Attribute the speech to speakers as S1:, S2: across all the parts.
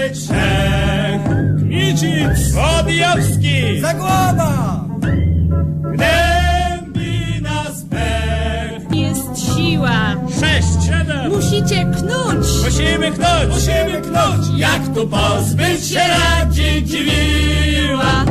S1: Czech, Kmicic, Podjawski,
S2: Zagłoba!
S1: Gnębi nas pech.
S3: Jest siła.
S1: 6, 7.
S3: Musicie knąć.
S1: Musimy knąć. Jak tu pozbyć się radzi dziwiła.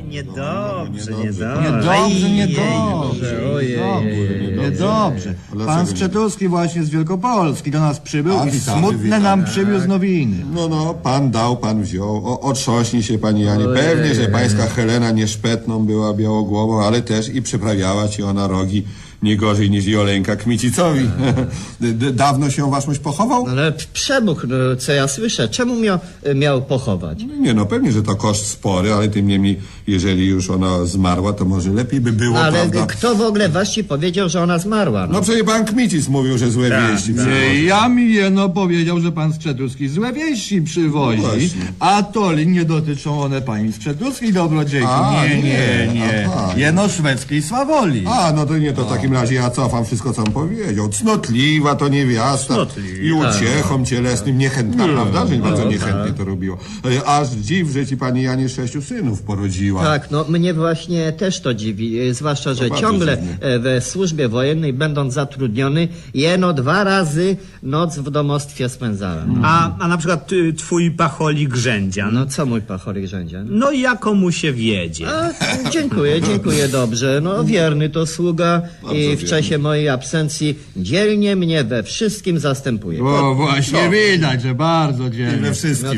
S4: Niedobrze. Pan Skrzetuski właśnie z Wielkopolski do nas przybył i smutne nam przywiózł nowiny.
S5: No, pan dał, pan wziął. Otrząśnij się, pani Janie. Pewnie, że pańska Helena nie szpetną była białogłową, ale też i przyprawiała ci ona rogi nie gorzej niż Joleńka Kmicicowi. Dawno się waszmość pochował?
S6: Ale przemuch, no, co ja słyszę, czemu miał pochować?
S5: Nie, no pewnie, że to koszt spory, ale tym niemniej, jeżeli już ona zmarła, to może lepiej by było,
S6: Ale
S5: prawda?
S6: kto w ogóle właśnie powiedział, że ona zmarła?
S5: No przecież pan Kmicic mówił, że złe wieści.
S4: Ja mi jeno powiedział, że pan Skrzetuski złe wieści przywozi, a to nie dotyczą one pani Skrzetuskiej dobrodziejki. Nie.
S5: Aha.
S4: Jeno szwedzkiej swawoli.
S5: A, no to nie, to w takim razie ja cofam wszystko, co on powiedział. Cnotliwa to niewiasta i uciechom cielesnym niechętna, prawda? Że bardzo niechętnie to robiło. Aż dziw, że ci pani Janie 6 synów porodziła.
S6: Tak, no mnie właśnie też to dziwi, zwłaszcza, że ciągle w służbie wojennej, będąc zatrudniony, jeno 2 razy noc w domostwie spędzałem.
S7: A na przykład twój pacholik Rzędzia.
S6: No co mój pacholik Rzędzia?
S7: No jako mu się wiedzie.
S6: Dziękuję dobrze. No wierny to sługa i w czasie mojej absencji dzielnie mnie we wszystkim zastępuje.
S4: O, właśnie widać, że bardzo dzielnie.
S5: We wszystkim.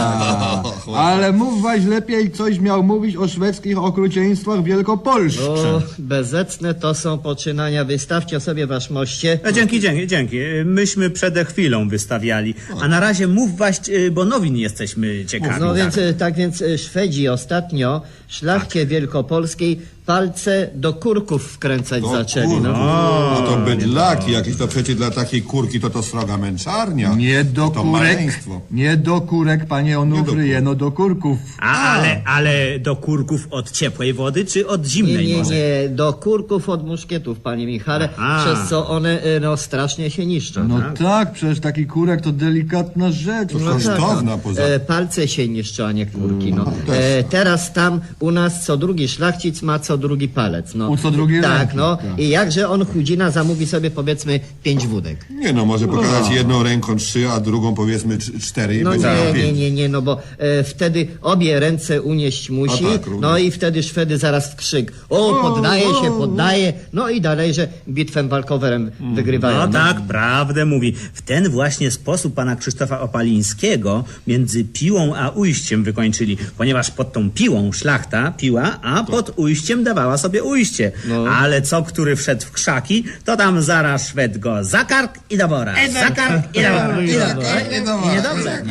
S4: Ale mówwaś lepiej, coś miał mówić o szwedzkich okrucieństwach w Wielkopolsce.
S6: O, bezecne to są poczynania. Wystawcie sobie waszmoście.
S7: Dzięki. Myśmy przed chwilą wystawiali. A na razie mów właśnie, bo nowin jesteśmy ciekawi.
S6: No więc Szwedzi ostatnio szlachcie wielkopolskiej palce do kurków wkręcać zaczęli. No
S5: to bydlaki jakieś, to przecież dla takiej kurki to sroga męczarnia. To maleństwo.
S4: Nie do kurek, panie Onufry, jeno do kurków.
S7: Ale do kurków od ciepłej wody, czy od zimnej może?
S6: Nie, do kurków od muszkietów, panie Michale, przez co one strasznie się niszczą.
S4: No tak, przecież taki kurek to delikatna rzecz.
S5: To kosztowna poza...
S6: Palce się niszczą, a nie kurki. Teraz tam u nas co drugi szlachcic ma co drugi palec.
S4: U co drugi
S6: tak,
S4: ręki,
S6: no.
S4: tak.
S6: I jakże on chudzina zamówi sobie powiedzmy 5 wódek.
S5: Nie no, może pokazać jedną ręką 3, a drugą powiedzmy 4 i
S6: No
S5: będzie miał 5.
S6: nie, no bo wtedy obie ręce unieść musi, no i wtedy Szwedy zaraz w krzyk. Poddaje, no i dalej, że bitwę walkowerem wygrywają.
S7: No tak, prawdę mówi. W ten właśnie sposób pana Krzysztofa Opalińskiego między piłą a ujściem wykończyli, ponieważ pod tą piłą szlachta piła, a pod ujściem dawała sobie ujście. Ale co, który wszedł w krzaki, to tam zaraz Szwed go za kark i do wora. Za kark i do wora. Niedobrze.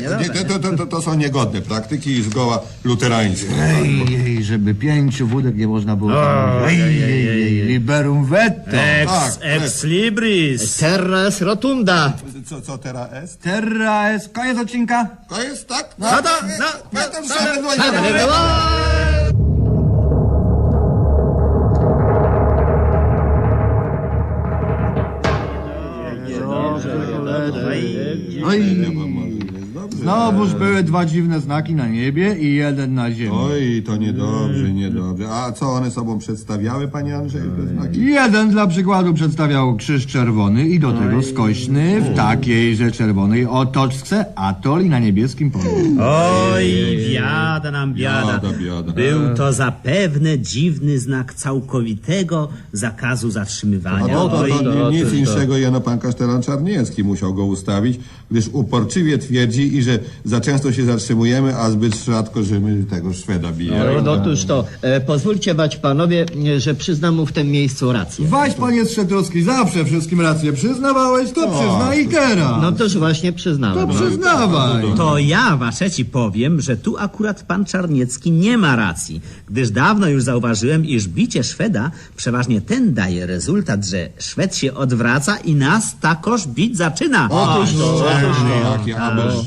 S5: To są niegodne praktyki i zgoła luterańskie.
S4: Ej, żeby 5 wódek nie można było. Liberum veto.
S7: Ex libris.
S6: Terra est rotunda.
S5: Co teraz jest?
S4: Terra jest. Koniec odcinka?
S5: To jest tak?
S4: Znowuż były 2 dziwne znaki na niebie i 1 na ziemi.
S5: Oj, to niedobrze. A co one sobą przedstawiały, panie Andrzeju, te znaki?
S4: 1 dla przykładu przedstawiał krzyż czerwony i do tego skośny w takiejże czerwonej otoczce atol i na niebieskim polu.
S7: Oj, biada nam biada. Był to zapewne dziwny znak całkowitego zakazu zatrzymywania.
S5: Nic inszego jeno pan kasztelan Czarniecki musiał go ustawić, gdyż uporczywie twierdzi, i że za często się zatrzymujemy, a zbyt rzadko, że my tego Szweda bijemy.
S6: Otóż to, pozwólcie bać panowie, że przyznam mu w tym miejscu rację.
S4: Waś, panie Skrzetuski, zawsze wszystkim rację przyznawałeś, to przyznaj i teraz.
S6: No toż właśnie przyznałem.
S4: To przyznawaj.
S7: To ja, waszeci, powiem, że tu akurat pan Czarniecki nie ma racji, gdyż dawno już zauważyłem, iż bicie Szweda przeważnie ten daje rezultat, że Szwed się odwraca i nas takoż bić zaczyna.
S5: Jaki abelszczelny.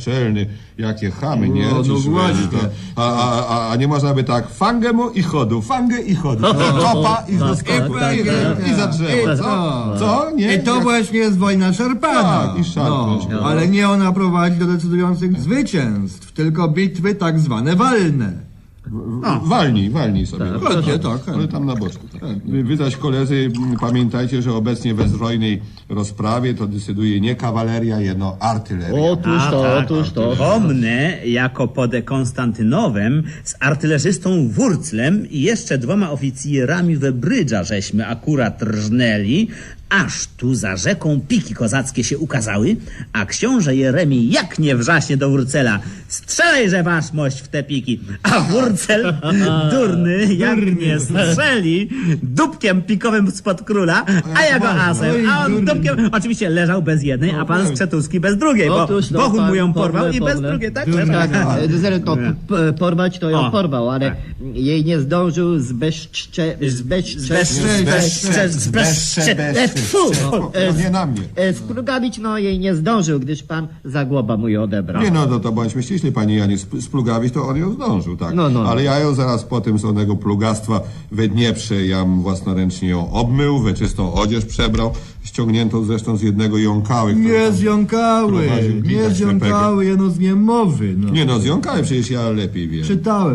S5: naczelny, jakie chamy, nie?
S4: No,
S5: Ci
S4: no
S5: Szwedzi,
S4: właśnie.
S5: a nie można by tak, fangę mu i chodu, fangę i chodu, kopa i do skoku, i za drzewo, co? Co? Nie?
S4: I to właśnie jest wojna szarpana.
S5: Tak, i szarpnąć.
S4: No, ale nie ona prowadzi do decydujących zwycięstw, tylko bitwy tak zwane walne.
S5: Walnij sobie.
S4: Tak.
S5: Ale tam na boczku. Tak. Wy zaś, koledzy, pamiętajcie, że obecnie we zbrojnej rozprawie to decyduje nie kawaleria, jeno artyleria.
S6: Otóż to.
S7: Pomnę, jako pod Konstantynowem z artylerzystą Wurclem i jeszcze 2 oficjerami Webrydża żeśmy akurat rżnęli, aż tu za rzeką piki kozackie się ukazały, a książę Jeremi jak nie wrzaśnie do Wurcela: strzelejże waszmość w te piki, a Wurcel, durny, jak nie strzeli, dupkiem pikowym spod króla, a ja go asem, a on dupkiem, oczywiście leżał bez jednej, a pan Skrzetuski bez drugiej, bo Bohun mu ją porwał i bez drugiej, tak?
S6: Tak, to porwać to ją porwał, ale jej nie zdążył
S5: Nie na mnie.
S6: splugawić, no jej nie zdążył, gdyż pan Zagłoba mu je odebrał.
S5: Nie, no to bądźmy ściśli, panie Janie, splugawić to on ją zdążył, tak.
S6: No.
S5: Ale ja ją zaraz po tym słownego plugastwa we Dnieprze, jam własnoręcznie ją obmył, we czystą odzież przebrał, ściągniętą zresztą z jednego jąkały. który
S4: Nie
S5: tam
S4: zjąkały,
S5: prowadził
S4: nie
S5: widać
S4: zjąkały, jeno z niemowy. No.
S5: Nie no, z jąkały przecież ja lepiej wiem.
S4: Czytałem.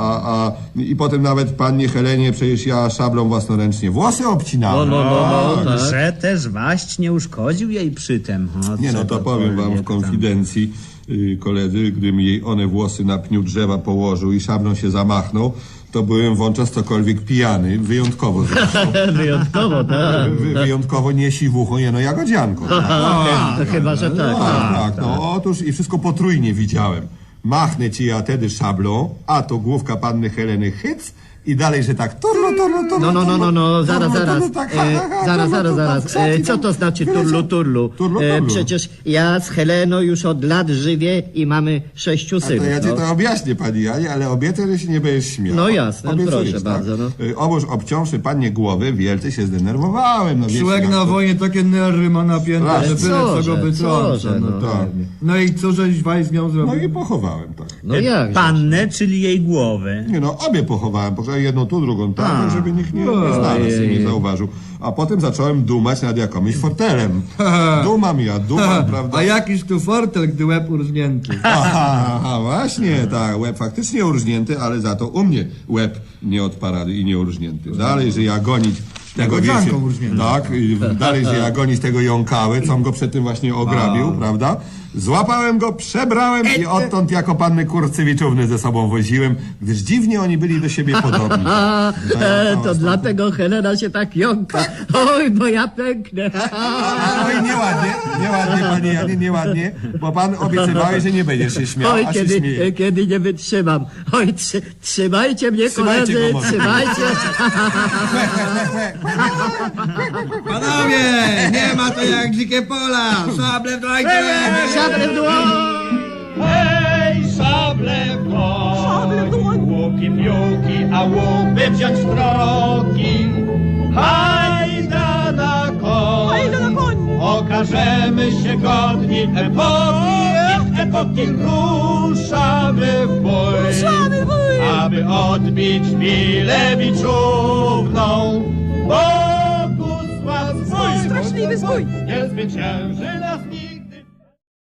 S5: I potem nawet pannie Helenie przecież ja szablą własnoręcznie włosy obcinałem.
S6: Tak.
S7: Że też waść nie uszkodził jej przytem. O,
S5: Nie no, to powiem wam w konfidencji, koledzy, gdym jej one włosy na pniu drzewa położył i szablą się zamachnął, to byłem wówczas cokolwiek pijany, wyjątkowo zresztą.
S6: Wyjątkowo, tak.
S5: Wyjątkowo nie siwuchą, jeno jagodzianką. Tak?
S6: To chyba, że tak.
S5: Tak, no otóż i wszystko potrójnie widziałem. Machnę ci ja tedy szablą, a to główka panny Heleny hyc i dalej, że tak turlu.
S6: No, zaraz.
S5: Tak,
S6: Zaraz. Co to znaczy turlu?
S5: Turlu.
S6: Przecież ja z Heleną już od lat żywię i mamy 6
S5: To
S6: synów.
S5: ja ci to objaśnię, pani Janie, ale obiecę, że się nie będziesz śmiał.
S6: No jasne,
S5: Obiecujesz,
S6: proszę
S5: tak?
S6: bardzo, no.
S5: Oboż obciąwszy panie głowy, wielce się zdenerwowałem. No, wiecie,
S4: Człowiek
S5: jak
S4: na
S5: to-
S4: wojnie takie nerwy ma napięte,
S5: Tak.
S4: że byle co go wytrąca. No,
S5: tak.
S4: tak. No i co żeś waj z nią
S5: No
S4: zrobił?
S5: i pochowałem, tak.
S6: No jak?
S7: Pannę, czyli jej głowę.
S5: Nie no, obie pochowałem, jedną tu, drugą tam, żeby nikt nie znalazł i nie zauważył. A potem zacząłem dumać nad jakimś fortelem. Dumam, prawda?
S4: A jakiś tu fortel, gdy łeb urżnięty.
S5: Aha, właśnie, tak, łeb faktycznie urżnięty, ale za to u mnie łeb nie od parady i nie urżnięty. Dalej, że ja gonić tego
S4: Jagodzianką urżniętą.
S5: tak, i dalej, że ja gonić tego jąkały, co go przed tym właśnie ograbił, prawda? Złapałem go, przebrałem i odtąd jako panny Kurcewiczówny ze sobą woziłem, gdyż dziwnie oni byli do siebie podobni.
S6: To dlatego Helena się tak jąka. Oj, bo ja pęknę.
S5: Oj, nieładnie, panie Janie, nieładnie, bo pan obiecywałeś, że nie będziesz się śmiał,
S6: Oj,
S5: a się śmieje.
S6: kiedy nie wytrzymam. Oj, trzymajcie mnie,
S5: Trzymajcie
S6: koledzy,
S5: go może.
S6: trzymajcie.
S4: Panowie, nie ma to jak dzikie pola. Szable w dłoń.
S6: Szablę w dłoń.
S1: Hej, szable w dłoń, łuki, piłki, a łupy wziąć w troki. Hajda na koń, okażemy się godni epoki, ruszamy w bój, aby odbić Milewiczówną. Bogusław swój,
S3: Straszliwy zbój.
S1: nie zwycięży nas nikt.